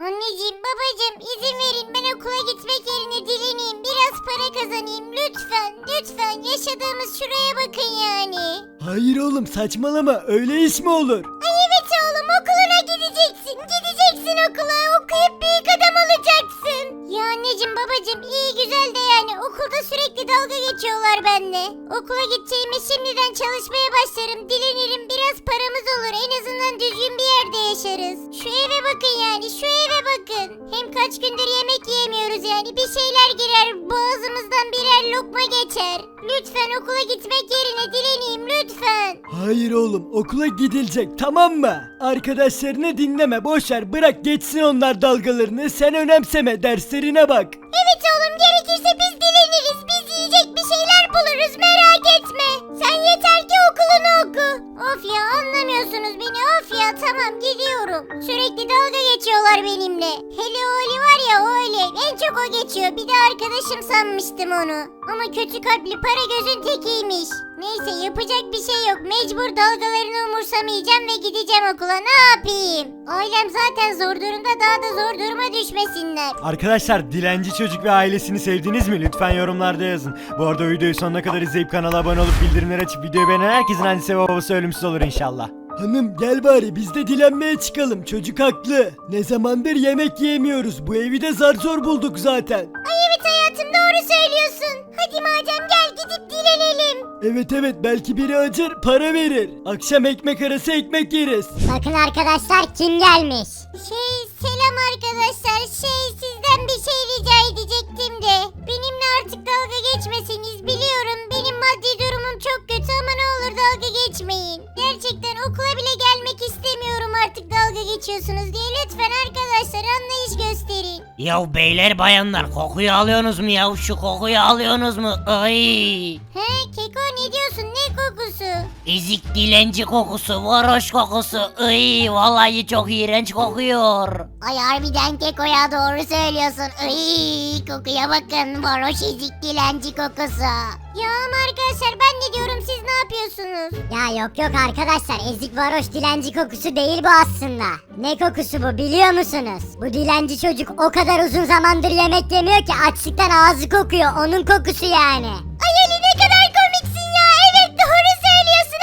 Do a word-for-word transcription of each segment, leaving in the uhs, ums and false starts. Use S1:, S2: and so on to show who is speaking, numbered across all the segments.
S1: Anneciğim, babacığım, izin verin, ben okula gitmek yerine dileneyim, biraz para kazanayım, lütfen, lütfen, yaşadığımız şuraya bakın yani.
S2: Hayır oğlum saçmalama, öyle iş mi olur?
S1: Ay evet oğlum, okuluna gideceksin, gideceksin okula, okuyup büyük adam olacaksın. Ya anneciğim, babacığım, iyi güzel de yani okulda sürekli dalga geçiyorlar benimle. Okula gideceğime şimdiden çalışmaya başlarım, dilenirim, biraz paramız olur, en azından düzgün bir yerde yaşarız. Şu eve bakın yani, şu eve bakın. Hem kaç gündür yemek yiyemiyoruz yani, bir şeyler girer, boğazımızdan birer lokma geçer. Lütfen okula gitmek yerine dileneyim, lütfen.
S2: Hayır oğlum, okula gidilecek, tamam mı? Arkadaşlarını dinleme, boşver, bırak geçsin onlar dalgalarını, sen önemseme, derslerine bak.
S1: Evet oğlum, gerekirse biz dileniriz, biz yiyecek bir şeyler buluruz, merak etme. Sen yeter ki okulunu oku. Of ya, anlamıyorsunuz beni, of ya, tamam gidiyorum. Sürekli dalga geçiyorlar benimle. Hele o Ali var ya, o Ali, en çok o geçiyor. Bir de arkadaşım sanmıştım onu. Ama kötü kalpli, para gözün tekiymiş. Neyse, yapacak bir şey yok, mecbur dalgalarını umursamayacağım ve gideceğim okula, ne yapayım? Ailem zaten zor durumda, daha da zor duruma düşmesinler.
S2: Arkadaşlar, Dilenci Çocuk ve ailesini sevdiniz mi? Lütfen yorumlarda yazın. Bu arada videoyu sonuna kadar izleyip kanala abone olup bildirimleri açıp videoyu beğenen herkesin annesi ve babası ölümsüz olur inşallah. Hanım gel bari biz de dilenmeye çıkalım, çocuk haklı. Ne zamandır yemek yiyemiyoruz, bu evi de zar zor bulduk zaten.
S1: Ay evet hayatım, doğru söylüyorsun. Hadi madem, gel gidip dilenelim.
S2: Evet evet, belki biri acır para verir. Akşam ekmek arası ekmek yeriz.
S1: Bakın arkadaşlar, kim gelmiş? Şey, selam arkadaşlar. Şey, sizden bir şey rica edecektim de. Benimle artık dalga geçmeseniz, biliyorum benim maddi durumum çok kötü ama ne olur dalga geçmeyin. Gerçekten okula bile gelmek istemiyorum artık dalga geçiyorsunuz diye. Lütfen arkadaşlar, anlayış gösterin.
S3: Ya beyler bayanlar, kokuyu alıyorsunuz mu ya? Şu kokuyu alıyorsunuz mu? Ay!
S1: He Keko, ne diyorsun, ne kokusu?
S3: Ezik dilenci kokusu, varoş kokusu. Ay, vallahi çok iğrenç kokuyor.
S1: Ay harbiden Keko ya, doğru söylüyorsun. Ay, kokuya bakın, varoş ezik dilenci kokusu. Ya ama arkadaşlar, ben ne diyorum, siz ne yapıyorsunuz? Ya yok yok arkadaşlar, ezik varoş dilenci kokusu değil bu aslında. Ne kokusu bu biliyor musunuz? Bu dilenci çocuk o kadar uzun zamandır yemek yemiyor ki açlıktan ağzı kokuyor, onun kokusu yani. Ay Ali, ne kadar komiksin ya, evet doğru söylüyorsun.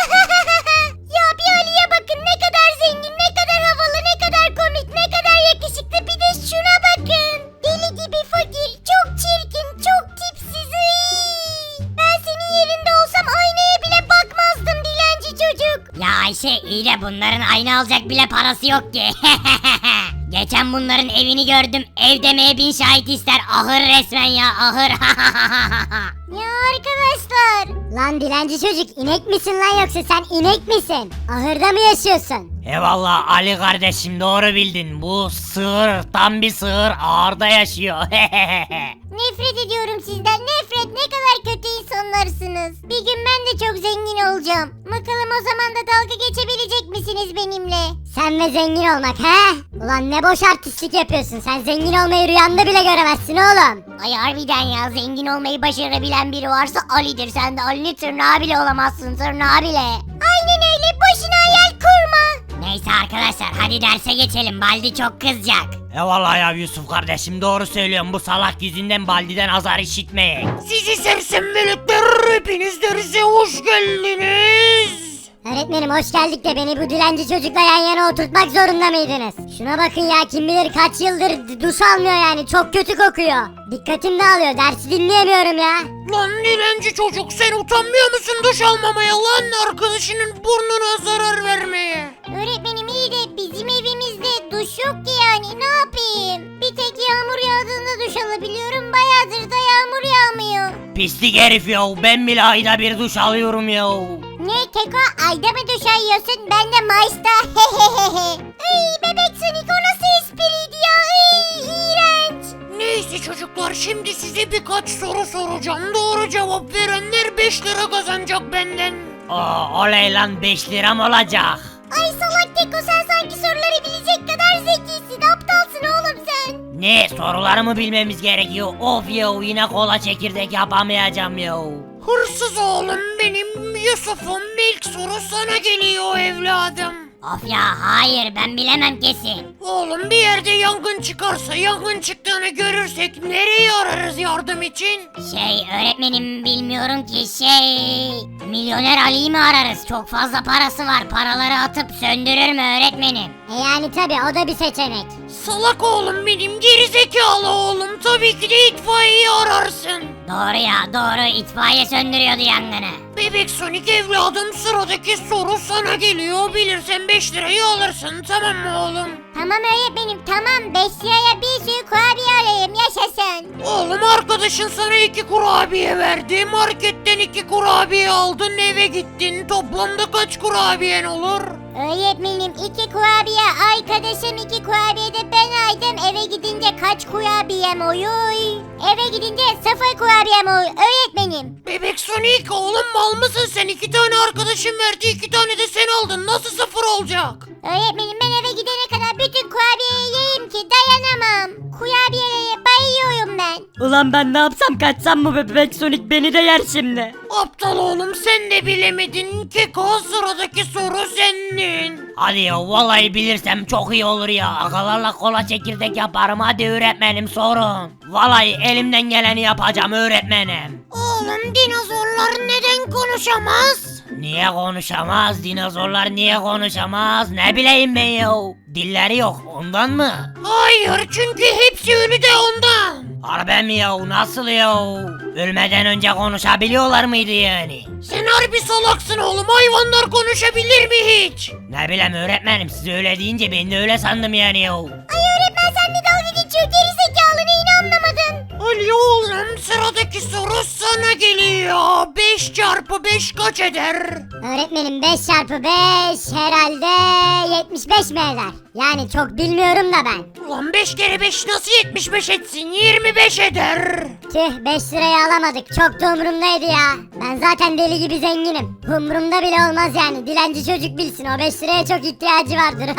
S1: Ya bir Ali'ye bakın, ne kadar zengin, ne kadar havalı, ne kadar komik, ne kadar yakışıklı, bir de şuna bakın. Deli gibi fakir, çok çirkin, çok tipsiz. Iy. Ben senin yerinde olsam aynaya bile bakmazdım dilenci çocuk.
S3: Ya Ayşe, iyi de bunların ayna alacak bile parası yok ki. Geçen bunların evini gördüm. Ev demeye bin şahit ister. Ahır resmen ya, ahır.
S1: Ya arkadaşlar. Lan dilenci çocuk, inek misin lan yoksa sen inek misin? Ahırda mı yaşıyorsun?
S3: Eyvallah Ali kardeşim, doğru bildin. Bu sığır, tam bir sığır, ağırda yaşıyor.
S1: Nefret ediyorum sizden, nefret, ne kadar kötü insanlarsınız. Bir gün ben de çok zengin olacağım. Bakalım o zaman da dalga geçebilecek misiniz benimle? Sen ve zengin olmak he? Ulan ne boş artistlik yapıyorsun, sen zengin olmayı rüyanda bile göremezsin oğlum. Ay harbiden ya, zengin olmayı başarabilen biri varsa Ali'dir, sen de Ali'nin tırnağı bile olamazsın, tırnağı bile. Aynen öyle, boşuna hayal kurma.
S3: Neyse arkadaşlar, hadi derse geçelim. Baldi çok kızacak. Eyvallah ya Yusuf kardeşim, doğru söylüyorum. Bu salak yüzünden Baldi'den azar işitmeye. Sizi sersem melekler, hepiniz derse hoş geldiniz.
S1: Öğretmenim hoş geldik de beni bu dilenci çocukla yan yana oturtmak zorunda mıydınız? Şuna bakın ya, kim bilir kaç yıldır duş almıyor yani, çok kötü kokuyor. Dikkatim dağılıyor, dersi dinleyemiyorum ya.
S3: Lan dilenci çocuk, sen utanmıyor musun duş almamaya lan, arkadaşının burnuna zarar vermeye?
S1: Öğretmenim iyi de bizim evimizde duş yok ki yani, ne yapayım? Bir tek yağmur yağdığında duş alabiliyorum, bayağıdır da yağmur yağmıyor.
S3: Pislik herif ya, ben bile ayda bir duş alıyorum ya.
S1: Ne Keko, ayda mı duş alıyorsun? Ben de Mayıs'ta. Ay bebek Sonic, o nasıl espriydi ya? Ay iğrenç.
S3: Neyse çocuklar, şimdi size birkaç soru soracağım. Doğru cevap verenler beş lira kazanacak benden. Aa, oley lan, beş liram olacak.
S1: Ay salak Keko, sen sanki soruları bilecek kadar zekisin. Aptalsın oğlum sen.
S3: Ne, sorularımı bilmemiz gerekiyor. Of ya, yine kola çekirdek yapamayacağım ya. Hırsız oğlum benim Yusuf'um, ilk soru sana geliyor evladım.
S1: Of ya hayır ben bilemem kesin.
S3: Oğlum bir yerde yangın çıkarsa yangın çıktığını görürsek nereye ararız yardım için?
S1: Şey öğretmenim bilmiyorum ki şey... Milyoner Ali'yi mi ararız? Çok fazla parası var. Paraları atıp söndürür mü öğretmenim? E yani tabi o da bir seçenek.
S3: Salak oğlum benim gerizekalı oğlum tabii ki de itfaiyeyi ararsın.
S1: Doğru ya doğru itfaiye söndürüyordu yangını.
S3: Bebek Sonic evladım sıradaki soru sana geliyor bilirsen beş lirayı alırsın tamam mı oğlum?
S1: Tamam öğretmenim tamam beş liraya bir sürü kurabiye alayım yaşasın.
S3: Oğlum arkadaşın sana iki kurabiye verdi marketten iki kurabiye aldın eve gittin toplamda kaç kurabiyen olur?
S1: Öğretmenim iki kurabiye arkadaşım iki kurabiye de ben aydım eve gidince kaç kurabiyem oluyor? Eve gidince sıfır kurabiyem oluyor öğretmenim.
S3: Bebek Sonic oğlum mal mısın sen iki tane arkadaşın verdi iki tane de sen aldın nasıl sıfır olacak?
S1: Öğretmenim ben eve gidene kadar bütün kurabiyeyi yiyeyim ki dayanamam. Kurabiyelere bayılıyorum ben.
S4: Ulan ben ne yapsam kaçsam mı bebek Sonic beni de yer şimdi.
S3: Aptal oğlum sen de bilemedin Keko sıradaki soru senin. Hadi ya vallahi bilirsem çok iyi olur ya akalarla kola çekirdek yaparım hadi öğretmenim sorun. Vallahi elimden geleni yapacağım öğretmenim. Oğlum dinozorlar neden konuşamaz? Niye konuşamaz? Dinozorlar niye konuşamaz? Ne bileyim ben ya. Dilleri yok ondan mı? Hayır çünkü hepsi ölü de ondan. Harbi mi ya? Nasıl ya? Ölmeden önce konuşabiliyorlar mıydı yani? Sen harbi salaksın oğlum. Hayvanlar konuşabilir mi hiç? Ne bileyim öğretmenim siz öyle deyince ben de öyle sandım yani ya.
S1: Ay öğretmen sen de dalga geçiyor gerizekalı neyini anlamadın?
S3: Ali oğlum sıradaki soru sana geliyor. beş çarpı beş kaç eder?
S1: Öğretmenim beş çarpı beş herhalde yetmiş beş mi eder? Yani çok bilmiyorum da ben.
S3: Ulan beş kere beş nasıl yetmiş beş etsin? yirmi beş eder.
S1: Tüh beş lirayı alamadık çok da umurumdaydı ya. Ben zaten deli gibi zenginim. Umurumda bile olmaz yani dilenci çocuk bilsin o beş liraya çok ihtiyacı vardır.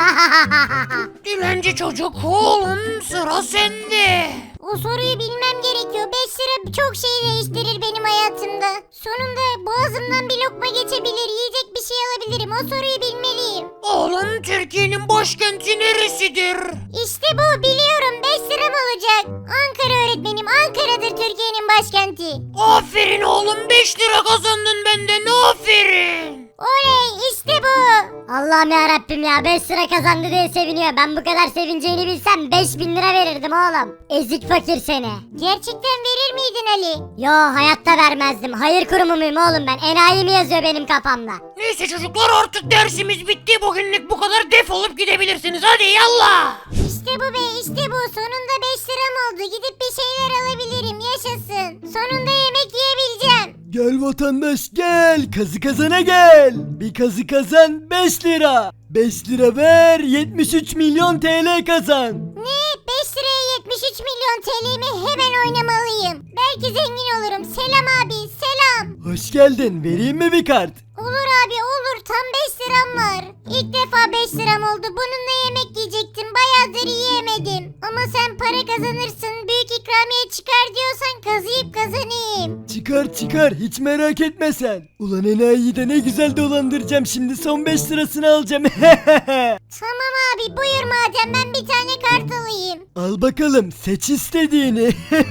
S3: Dilenci çocuk oğlum sıra sende.
S1: O soruyu bilmem gerekiyor. beş lira çok şey değiştirir benim hayatımda. Sonunda boğazımdan bir lokma geçebilir, yiyecek bir şey alabilirim. O soruyu bilmeliyim.
S3: Oğlum Türkiye'nin başkenti neresidir?
S1: İşte bu biliyorum beş liram olacak. Ankara öğretmenim Ankara'dır Türkiye'nin başkenti.
S3: Aferin oğlum beş lira kazandın benden aferin.
S1: Oley işte bu. Allah'ım ya Rabbim ya beş lira kazandı diye seviniyor. Ben bu kadar sevineceğini bilsem beş bin lira verirdim oğlum. Ezik fakir seni. Gerçekten verir miydin Ali? Yo hayatta vermezdim. Hayır kurumu muyum oğlum ben? Enayi mi yazıyor benim kafamda?
S3: Neyse çocuklar artık dersimiz bitti. Bugünlük bu kadar defolup gidebilirsiniz. Hadi yallah.
S1: İşte bu be işte bu. Sonunda beş liram oldu. Gidip bir şeyler alabilirim. Yaşasın. Sonunda yemek yiyebileceğim.
S2: Gel vatandaş gel. Kazı kazana gel. Bir kazı kazan beş lira. beş lira ver yetmiş üç milyon T L kazan.
S1: Ne? beş liraya yetmiş üç milyon T L'mi hemen oynamalıyım. Belki zengin olurum. Selam abi selam.
S2: Hoş geldin. Vereyim mi bir kart?
S1: Olur abi olur. Tam beş liram var. İlk defa beş liram oldu. Bununla yemek yiyecektim. Bayağıdır yiyemedim. Ama sen para kazanırsın. Büyük ikramiye çıkar diyorsan kazıyıp kazanayım.
S2: Çıkar çıkar hiç merak etme sen. Ulan enayiyi de ne güzel dolandıracağım şimdi son beş lirasını alacağım.
S1: Tamam abi buyur madem ben bir tane kart alayım.
S2: Al bakalım seç istediğini.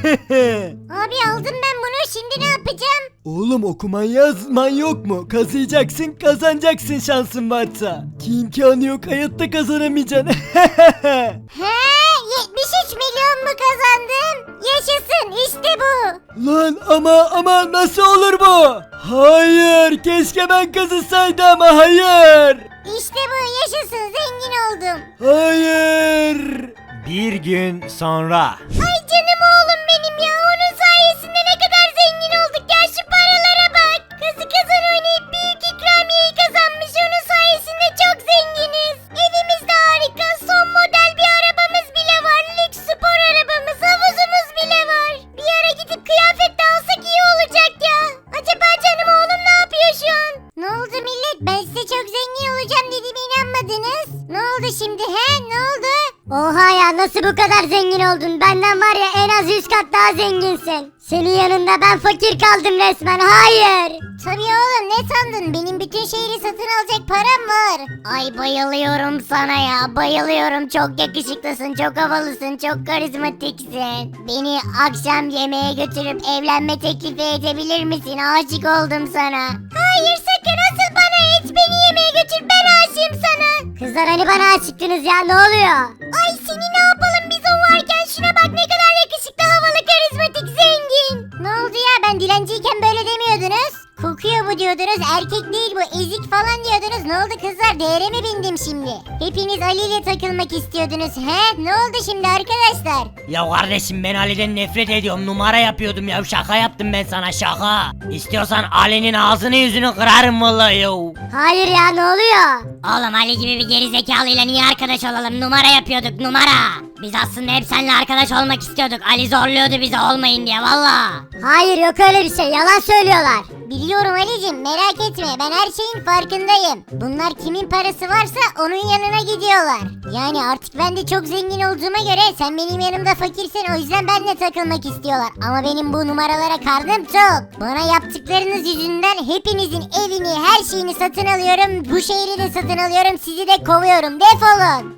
S1: Abi aldım ben bunu şimdi ne yapacağım?
S2: Oğlum okuman yazman yok mu? Kazıyacaksın kazanacaksın şansın varsa. Ki imkanı yok hayatta kazanamayacaksın.
S1: He yetmiş üç milyon mu kazandım? Yaşasın işte bu.
S2: Lan ama ama nasıl olur bu? Hayır keşke ben kazısaydım ama hayır.
S1: İşte bu yaşasın zengin oldum.
S2: Hayır. Bir gün sonra.
S1: Ay canım oğlum benim ya onun sayesinde ne kadar zengin olduk ya şu paralara bak. Kazı kazan oynayıp büyük ikramiyeyi kazanmış onun sayesinde çok zenginiz. Evimiz de harika son model bir arabamız bile var. Lüks spor arabamız havuzumuz bile var. Bir ara gidip kıyafet de alsak iyi olacak ya. Acaba canım oğlum ne yapıyor şu an? Ne oldu millet ben size çok zengin olacağım dediğime inanmadınız. Ne oldu şimdi he ne oldu? Oha ya nasıl bu kadar zengin oldun? Benden var ya en az yüz kat daha zenginsin. Senin yanında ben fakir kaldım resmen, hayır. Tabii oğlum, ne sandın? Benim bütün şehri satın alacak param var. Ay bayılıyorum sana ya, bayılıyorum. Çok yakışıklısın, çok havalısın, çok karizmatiksin. Beni akşam yemeğe götürüp evlenme teklifi edebilir misin? Aşık oldum sana. Hayır sakın, asıl bana et, beni yemeğe götür, ben aşığım sana. Kızlar hani bana aşıktınız ya, ne oluyor? Ay seni ne yapalım biz o varken, şuna bak ne kadar yakışıklı, havalı, karizmatik, zengin. Ne oldu ya, ben dilenciyken böyle demiyordunuz? Kokuyor bu diyordunuz, erkek değil bu, ezik falan diyordunuz. Ne oldu kızlar, değere mi bindim şimdi? Hepiniz Ali ile takılmak istiyordunuz he? Ne oldu şimdi arkadaşlar?
S3: Ya kardeşim ben Ali'den nefret ediyorum, numara yapıyordum ya, şaka yaptım ben sana, şaka. İstiyorsan Ali'nin ağzını yüzünü kırarım vallahi ya.
S1: Hayır ya, ne oluyor?
S3: Oğlum Ali gibi bir gerizekalıyla niye arkadaş olalım, numara yapıyorduk numara. Biz aslında hep seninle arkadaş olmak istiyorduk, Ali zorluyordu bize olmayın diye valla.
S1: Hayır yok öyle bir şey, yalan söylüyorlar. Biliyorum Ali'cim, merak etme, ben her şeyin farkındayım. Bunlar kimin parası varsa onun yanına gidiyorlar. Yani artık ben de çok zengin olduğuma göre sen benim yanımda fakirsin, o yüzden benimle takılmak istiyorlar. Ama benim bu numaralara karnım tok. Bana yaptıklarınız yüzünden hepinizin evini, her şeyini satın alıyorum. Bu şehri de satın alıyorum, sizi de kovuyorum, defolun.